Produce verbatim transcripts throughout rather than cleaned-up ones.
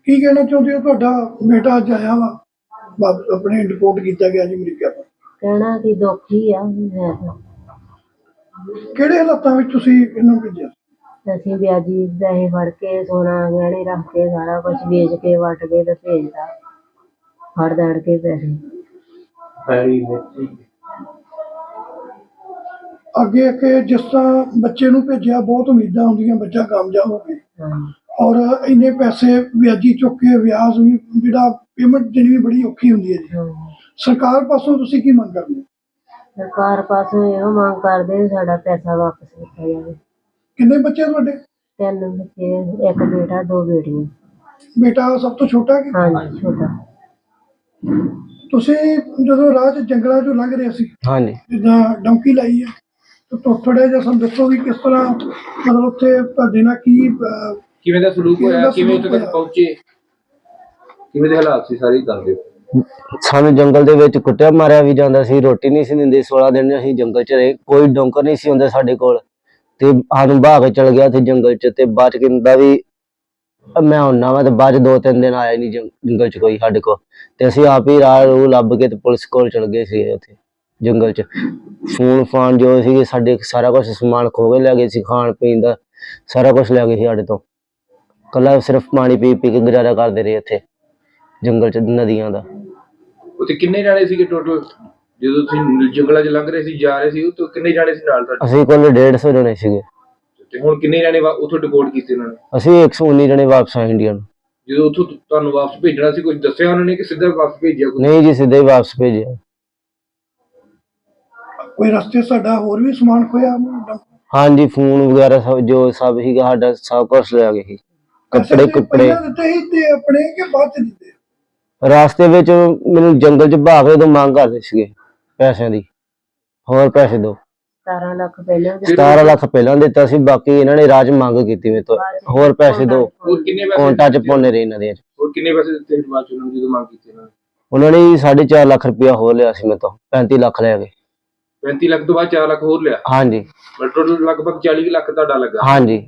ਕੀ ਕਹਿਣਾ ਚਾਹੁੰਦੇ ਹੋ? ਤੁਹਾਡਾ ਬੇਟਾ ਅੱਜ ਆਇਆ ਵਾ, ਵਾਪਸ ਆਪਣੇ ਰਿਪੋਰਟ ਕੀਤਾ ਗਿਆ ਜੀ ਅਮਰੀਕਾ ਤੋਂ। ਕਹਿਣਾ ਕਿ ਦੁੱਖ ਹੀ ਆ ਹੈ ਤਾਂ। ਕਿਹੜੇ ਹਾਲਾਤਾਂ ਵਿੱਚ ਤੁਸੀਂ ਇਹਨੂੰ ਭੇਜਿਆ? ਅਸੀਂ ਵਿਆਜੀ ਪੈਸੇ ਫੜ ਕੇ ਸੋਨਾ ਗਹਿਣੇ ਰੱਖ ਕੇ ਸਾਰਾ ਕੁਝ ਵੇਚ ਕੇ ਵੱਟ ਕੇ ਤੇ ਭੇਜਦਾ, ਫੜ ਦੜ ਕੇ ਪੈਸੇ। ਅੱਗੇ ਅੱਗੇ ਜਿਸ ਤਰ੍ਹਾਂ ਬੱਚੇ ਨੂੰ ਭੇਜਿਆ, ਬਹੁਤ ਉਮੀਦਾਂ ਹੁੰਦੀਆਂ ਬੱਚਾ ਕਾਮਯਾਬ ਹੋਵੇ, ਔਰ ਇੰਨੇ ਪੈਸੇ ਵਿਆਜੀ ਚੁੱਕ ਕੇ ਵਿਆਜ ਵੀ ਜਿਹੜਾ ਪੇਮੈਂਟ ਦੇਣੀ ਵੀ ਬੜੀ ਔਖੀ ਹੁੰਦੀ ਹੈ ਜੀ। ਸਰਕਾਰ ਪਾਸੋਂ ਤੁਸੀਂ ਕੀ ਮੰਗ ਕਰਦੇ ਹੋ? ਸਰਕਾਰ ਪਾਸੋਂ ਇਹੋ ਮੰਗ ਕਰਦੇ ਸਾਡਾ ਪੈਸਾ ਵਾਪਸ ਕੀਤਾ ਜਾਵੇ। ਕਿੰਨੇ ਬੱਚੇ ਤੁਹਾਡੇ? ਤਿੰਨ ਬੱਚੇ, ਇੱਕ ਬੇਟਾ ਦੋ ਬੇਟੀਆਂ। ਬੇਟਾ ਸਭ ਤੋਂ ਛੋਟਾ ਕਿ? ਹਾਂਜੀ ਛੋਟਾ। ਤੁਸੀਂ ਜਦੋਂ ਰਾਹ 'ਚ ਜੰਗਲਾਂ 'ਚੋਂ ਲੰਘ ਰਹੇ ਸੀ, ਹਾਂਜੀ, ਜਿੱਦਾਂ ਡੌਂਕੀ ਲਾਈ ਹੈ, ਤਾਂ ਥੋੜ੍ਹਾ ਜਿਹਾ ਸਾਨੂੰ ਦੱਸੋ ਵੀ ਕਿਸ ਤਰ੍ਹਾਂ ਮਤਲਬ ਉੱਥੇ ਤੁਹਾਡੇ ਨਾਲ ਕੀ ਅਹ, ਕਿਵੇਂ ਦਾ ਸਲੂਕ ਕਿਵੇਂ ਦਾ ਹੋਇਆ, ਕਿਵੇਂ ਸਲੂਕ ਉੱਥੇ ਤੱਕ ਹੋਇਆ? ਪਹੁੰਚੇ, ਕਿਵੇਂ ਦੇ ਹਾਲਾਤ ਸੀ, ਸਾਰੀ ਦੱਸ ਦਿਓ। ਸਾਨੂੰ ਜੰਗਲ ਦੇ ਵਿੱਚ ਕੁੱਟਿਆ ਮਾਰਿਆ ਵੀ ਜਾਂਦਾ ਸੀ, ਰੋਟੀ ਨਹੀਂ ਸੀ ਦਿੰਦੇ। ਸੋਲਾਂ ਦਿਨ ਅਸੀਂ ਜੰਗਲ 'ਚ ਰਹੇ, ਕੋਈ ਡੋਂਕਰ ਨਹੀਂ ਸੀ ਹੁੰਦਾ ਸਾਡੇ ਕੋਲ, ਤੇ ਸਾਨੂੰ ਭਾਗ ਕੇ ਚਲ ਗਿਆ ਉੱਥੇ ਜੰਗਲ 'ਚ। ਤੇ ਬਾਅਦ 'ਚ ਕਹਿੰਦਾ ਵੀ ਮੈਂ ਹੁੰਨਾ ਵਾ, ਤੇ ਬਾਅਦ 'ਚ ਦੋ ਤਿੰਨ ਦਿਨ ਆਇਆ ਨਹੀਂ ਜੰਗਲ 'ਚ ਕੋਈ ਸਾਡੇ ਕੋਲ। ਤੇ ਅਸੀਂ ਆਪ ਹੀ ਰਾਹ ਰੂਹ ਲੱਭ ਕੇ ਤੇ ਪੁਲਿਸ ਕੋਲ ਚਲ ਗਏ ਸੀ ਉੱਥੇ ਜੰਗਲ 'ਚ। ਫੋਨ ਫਾਨ ਜੋ ਸੀਗੇ ਸਾਡੇ, ਸਾਰਾ ਕੁਛ ਸਮਾਨ ਖੋ ਕੇ ਲੈ ਗਏ ਸੀ, ਖਾਣ ਪੀਣ ਦਾ ਸਾਰਾ ਕੁਛ ਲੈ ਗਏ ਸੀ ਸਾਡੇ ਤੋਂ। ਕੱਲਾ ਸਿਰਫ ਪਾਣੀ ਪੀ ਪੀ ਕੇ ਗੁਜ਼ਾਰਾ ਕਰਦੇ ਰਹੇ ਇੱਥੇ ਜੰਗਲ 'ਚ, ਨਦੀਆਂ ਦਾ। ਉੱਥੇ ਕਿੰਨੇ ਜਾਣੇ ਸੀਗੇ ਟੋਟਲ ਜਦੋਂ ਤੁਸੀਂ ਜੰਗਲਾਂ 'ਚ ਲੰਘ ਰਹੇ ਸੀ, ਜਾ ਰਹੇ ਸੀ? ਉੱਥੇ ਕਿੰਨੇ ਜਾਣੇ ਸੀ ਨਾਲ ਤੁਹਾਡੇ? ਅਸੀਂ ਕੋਲ ਡੇਢ ਸੌ ਜਣੇ ਸੀਗੇ। ਤੇ ਹੁਣ ਕਿੰਨੇ ਜਾਣੇ ਉੱਥੋਂ ਡਿਪੋਰਟ ਕੀਤੇ ਉਹਨਾਂ ਨੇ? ਅਸੀਂ ਇੱਕ ਸੌ ਉੱਨੀ ਜਣੇ ਵਾਪਸ ਆਏ ਇੰਡੀਆ ਨੂੰ। ਜਦੋਂ ਉੱਥੋਂ ਤੁਹਾਨੂੰ ਵਾਪਸ ਭੇਜਣਾ ਸੀ, ਕੁਝ ਦੱਸਿਆ ਉਹਨਾਂ ਨੇ ਕਿ ਸਿੱਧਾ ਵਾਪਸ ਭੇਜਿਆ? ਨਹੀਂ ਜੀ, ਸਿੱਧਾ ਹੀ ਵਾਪਸ ਭੇਜਿਆ। ਕੋਈ ਰਸਤੇ ਸਾਡਾ ਹੋਰ ਵੀ ਸਮਾਨ ਖੋਇਆ? ਹਾਂਜੀ, ਫੋਨ ਵਗੈਰਾ ਸਭ ਜੋ ਸਭ ਸੀਗਾ ਸਾਡਾ, ਸਭ ਕੁਛ ਲੈ ਗਏ ਸੀ। ਕੱਪੜੇ ਕੁੱਪੜੇ ਦਿੱਤੇ ਸੀ ਤੇ ਆਪਣੇ ਕਿ ਬਾਅਦ 'ਚ ਦਿੱਤੇ? ਰਾਸਤੇ ਵਿੱਚ ਮੈਨੂੰ ਜੰਗਲ 'ਚ ਭਾਗ ਕੇ ਤੋਂ ਮੰਗ ਕਰਦੇ ਸੀਗੇ ਪੈਸਿਆਂ ਦੀ, ਹੋਰ ਪੈਸੇ ਦੋ। ਸਤਾਰਾਂ ਲੱਖ ਪਹਿਲਾਂ ਸਤਾਰਾਂ ਲੱਖ ਪਹਿਲਾਂ ਦਿੱਤਾ ਸੀ, ਬਾਕੀ ਇਹਨਾਂ ਨੇ ਰਾਹ 'ਚ ਮੰਗ ਕੀਤੀ ਮੇਰੇ ਤੋਂ, ਹੋਰ ਪੈਸੇ ਦੋ। ਹੋਰ ਕਿੰਨੇ ਪੈਸੇ ਕੌਂਟਾਂ 'ਚ ਪਾਉਂਦੇ ਰਹੇ ਇਹਨਾਂ ਦੇ। ਹੋਰ ਕਿੰਨੇ ਪੈਸੇ ਦਿੱਤੇ ਬਾਅਦ 'ਚ ਉਹਨਾਂ ਨੂੰ ਜਦੋਂ ਮੰਗ ਕੀਤੀ ਉਹਨਾਂ ਨੇ? ਉਹਨਾਂ ਨੇ ਸਾਢੇ ਚਾਰ ਲੱਖ ਰੁਪਇਆ ਹੋਰ ਲਿਆ ਸੀ ਮੇਰੇ ਤੋਂ, ਪੈਂਤੀ ਲੱਖ ਲੈ ਗਏ। ਪੈਂਤੀ ਲੱਖ ਤੋਂ ਬਾਅਦ ਚਾਰ ਲੱਖ ਹੋਰ ਲਿਆ? ਹਾਂਜੀ। ਟੋਟਲ ਲਗਭਗ ਚਾਲੀ ਲੱਖ ਤੁਹਾਡਾ ਲੱਗਾ? ਹਾਂਜੀ।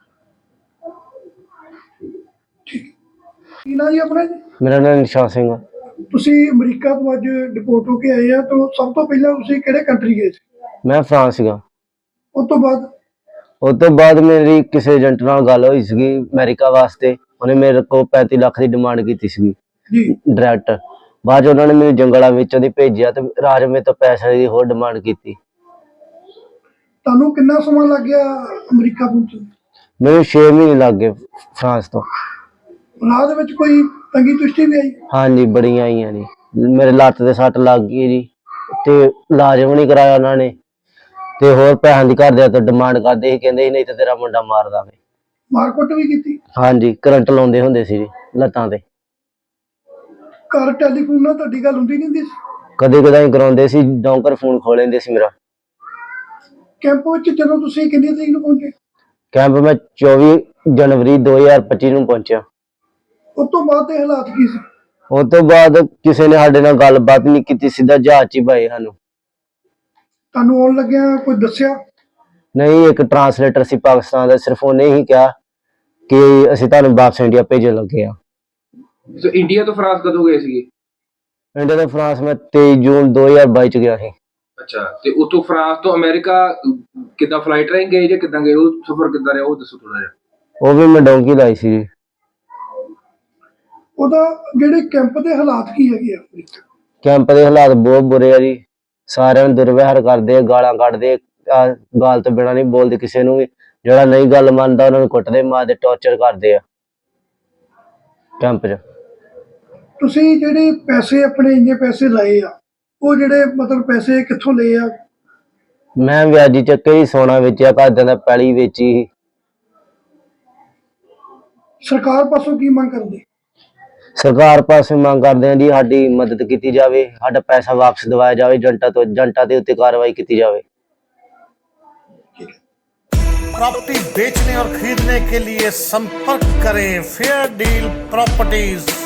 ਕੀ ਨਾਂ ਜੀ ਆਪਣਾ ਜੀ? ਮੇਰਾ ਨਾਮ ਨਿਸ਼ਾਨ ਸਿੰਘ। ਤੁਸੀਂ ਅਮਰੀਕਾ ਤੋਂ ਅੱਜ ਡਿਪੋਰਟ ਹੋ ਕੇ ਆਏ ਆ, ਤਾਂ ਸਭ ਤੋਂ ਪਹਿਲਾਂ ਤੁਸੀਂ ਕਿਹੜੇ ਕੰਟਰੀ ਗਏ ਸੀ? ਮੈਂ ਫਰਾਂਸ ਸੀਗਾ। ਉਸ ਤੋਂ ਬਾਅਦ? ਉਸ ਤੋਂ ਬਾਅਦ ਮੇਰੀ ਕਿਸੇ ਏਜੰਟ ਨਾਲ ਗੱਲ ਹੋਈ ਸੀਗੀ ਅਮਰੀਕਾ ਵਾਸਤੇ, ਉਹਨੇ ਮੇਰੇ ਕੋਲ ਪੈਂਤੀ ਲੱਖ ਦੀ ਡਿਮਾਂਡ ਕੀਤੀ ਸੀਗੀ ਜੀ ਡਾਇਰੈਕਟ। ਬਾਅਦ 'ਚ ਉਹਨਾਂ ਨੇ ਮੈਨੂੰ ਜੰਗਲਾਂ ਵਿੱਚੋਂ ਦੀ ਭੇਜਿਆ ਤੇ ਰਾਜ ਮੇਰੇ ਤੋਂ ਪੈਸੇ ਦੀ ਹੋਰ ਡਿਮਾਂਡ ਕੀਤੀ। ਤੁਹਾਨੂੰ ਕਿੰਨਾ ਸਮਾਂ ਲੱਗ ਗਿਆ ਅਮਰੀਕਾ ਪਹੁੰਚਣ? ਮੈਨੂੰ ਛੇ ਮਹੀਨੇ ਲੱਗ ਗਏ ਫਰਾਂਸ ਤੋਂ। ਰਾਹ ਦੇ ਵਿੱਚ ਕੋਈ ਤੰਗੀ ਤੁਸ਼ਟੀ ਵੀ ਆਈ? ਹਾਂਜੀ, ਬੜੀਆਂ ਆਈਆਂ ਜੀ। ਮੇਰੇ ਲੱਤ ਤੇ ਸੱਟ ਲੱਗ ਗਈ ਜੀ, ਤੇ ਇਲਾਜ ਵੀ ਨਹੀਂ ਕਰਾਇਆ ਉਹਨਾਂ ਨੇ, ਤੇ ਹੋਰ ਪੈਸਿਆਂ ਦੀ ਘਰਦਿਆਂ ਤੋਂ ਡਿਮਾਂਡ ਕਰਦੇ ਸੀ, ਕਹਿੰਦੇ ਸੀ ਨਹੀਂ ਤਾਂ ਤੇਰਾ ਮੁੰਡਾ ਮਾਰ ਦਾਂਗੇ। ਮਾਰਕੁੱਟ ਵੀ ਕੀਤੀ? ਹਾਂਜੀ, ਕਰੰਟ ਲਾਉਂਦੇ ਹੁੰਦੇ ਸੀ ਜੀ ਲੱਤਾਂ ਤੇ। ਘਰ ਟੈਲੀਫੋਨ ਨਾਲ ਤੁਹਾਡੀ ਗੱਲ ਹੁੰਦੀ ਨਹੀਂ ਹੁੰਦੀ ਸੀ? ਕਦੇ ਕਦਾਈ ਕਰਾਉਂਦੇ ਸੀ, ਡੌਂਕਰ ਫੋਨ ਖੋਲ ਲੈਂਦੇ ਸੀ ਮੇਰਾ। ਕੈਂਪ ਵਿੱਚ ਜਦੋਂ ਤੁਸੀਂ ਕਿੰਨੀ ਤਰੀਕ ਨੂੰ ਪਹੁੰਚੇ? ਕੈਂਪ ਮੈਂ ਚੌਵੀ ਜਨਵਰੀ ਦੋ ਹਜ਼ਾਰ ਪੱਚੀ ਨੂੰ ਪਹੁੰਚਿਆ। ਉਸ ਤੋਂ ਬਾਅਦ ਦੇ ਹਾਲਾਤ ਕੀ ਸੀ? ਉਸ ਤੋਂ ਬਾਅਦ ਕਿਸੇ ਨੇ ਸਾਡੇ ਨਾਲ ਗੱਲਬਾਤ ਨਹੀਂ ਕੀਤੀ, ਸਿੱਧਾ ਜਹਾਜ਼ 'ਚ ਹੀ ਪਾਏ ਸਾਨੂੰ। ਤੁਹਾਨੂੰ ਆਉਣ ਲੱਗਿਆ ਕੋਈ ਦੱਸਿਆ? ਨਹੀਂ, ਇੱਕ ਟਰਾਂਸਲੇਟਰ ਸੀ ਪਾਕਿਸਤਾਨ ਦਾ, ਸਿਰਫ ਉਹਨੇ ਹੀ ਕਿਹਾ ਕਿ ਅਸੀਂ ਤੁਹਾਨੂੰ ਵਾਪਸ ਇੰਡੀਆ ਭੇਜਣ ਲੱਗੇ ਆ। ਸੋ ਇੰਡੀਆ ਤੋਂ ਫਰਾਂਸ ਕਦੋਂ ਗਏ ਸੀਗੇ? ਇੰਡੀਆ ਤੋਂ ਫਰਾਂਸ ਮੈਂ ਤੇਈ ਜੂਨ ਦੋ ਹਜ਼ਾਰ ਬਾਈ 'ਚ ਗਿਆ ਸੀ। ਅੱਛਾ, ਤੇ ਉਤੋਂ ਫਰਾਂਸ ਤੋਂ ਅਮਰੀਕਾ ਕਿੱਦਾਂ ਫਲਾਈਟ ਰਾਹੀਂ ਗਏ ਜਾਂ ਕਿੱਦਾਂ ਗਏ? ਉਹ ਸਫ਼ਰ ਕਿੱਦਾਂ ਰਿਹਾ, ਉਹ ਦੱਸੋ ਥੋੜਾ ਜਿਹਾ। ਉਹ ਵੀ ਮੈਂ ਡੌਂਕੀ ਲਾਈ ਸੀ ਜੀ। ਉਹਦਾ ਜਿਹੜੇ ਕੈਂਪ ਦੇ ਹਾਲਾਤ ਕੀ ਹੈਗੇ ਆ? ਕੈਂਪ ਦੇ ਹਾਲਾਤ ਬਹੁਤ ਬੁਰੇ ਆ ਜੀ। ਸਾਰਿਆਂ ਨੂੰ ਦੁਰਵਿਹਾਰ ਕਰਦੇ ਆ, ਗਾਲਾਂ ਕੱਢਦੇ ਆ, ਗਾਲ ਤੋਂ ਬਿਨਾਂ ਨਹੀਂ ਬੋਲਦੇ ਕਿਸੇ ਨੂੰ ਵੀ। ਜਿਹੜਾ ਨਹੀਂ ਗੱਲ ਮੰਨਦਾ ਉਹਨਾਂ ਨੂੰ ਕੁੱਟਦੇ ਮਾਰਦੇ, ਟੌਰਚਰ ਕਰਦੇ ਆ ਕੈਂਪ 'ਚ। ਤੁਸੀਂ ਜਿਹੜੇ ਪੈਸੇ ਆਪਣੇ ਇੰਨੇ ਪੈਸੇ ਲਾਏ ਆ, ਉਹ ਜਿਹੜੇ ਮਤਲਬ ਪੈਸੇ ਕਿੱਥੋਂ ਲਏ ਆ? ਮੈਂ ਵਿਆਜੀ ਚੱਕੇ ਹੀ ਸੋਨਾ ਵੇਚਿਆ, ਘਰਦਿਆਂ ਦਾ ਪੈਲੀ ਵੇਚੀ। ਸਰਕਾਰ ਪਾਸੋਂ ਕੀ ਮੰਗ ਕਰਦੇ? ਸਰਕਾਰ ਪਾਸੇ ਮੰਗ ਕਰਦੇ ਆ ਜੀ ਸਾਡੀ ਮਦਦ ਕੀਤੀ ਜਾਵੇ, ਸਾਡਾ ਪੈਸਾ ਵਾਪਸ ਦਿਵਾਇਆ ਜਾਵੇ, ਏਜੰਟਾਂ ਤੋਂ ਏਜੰਟਾਂ ਦੇ ਉੱਤੇ कार्रवाई ਕੀਤੀ ਜਾਵੇ। प्रॉपर्टी बेचने और खरीदने के लिए संपर्क करें फेयर डील प्रॉपर्टीज।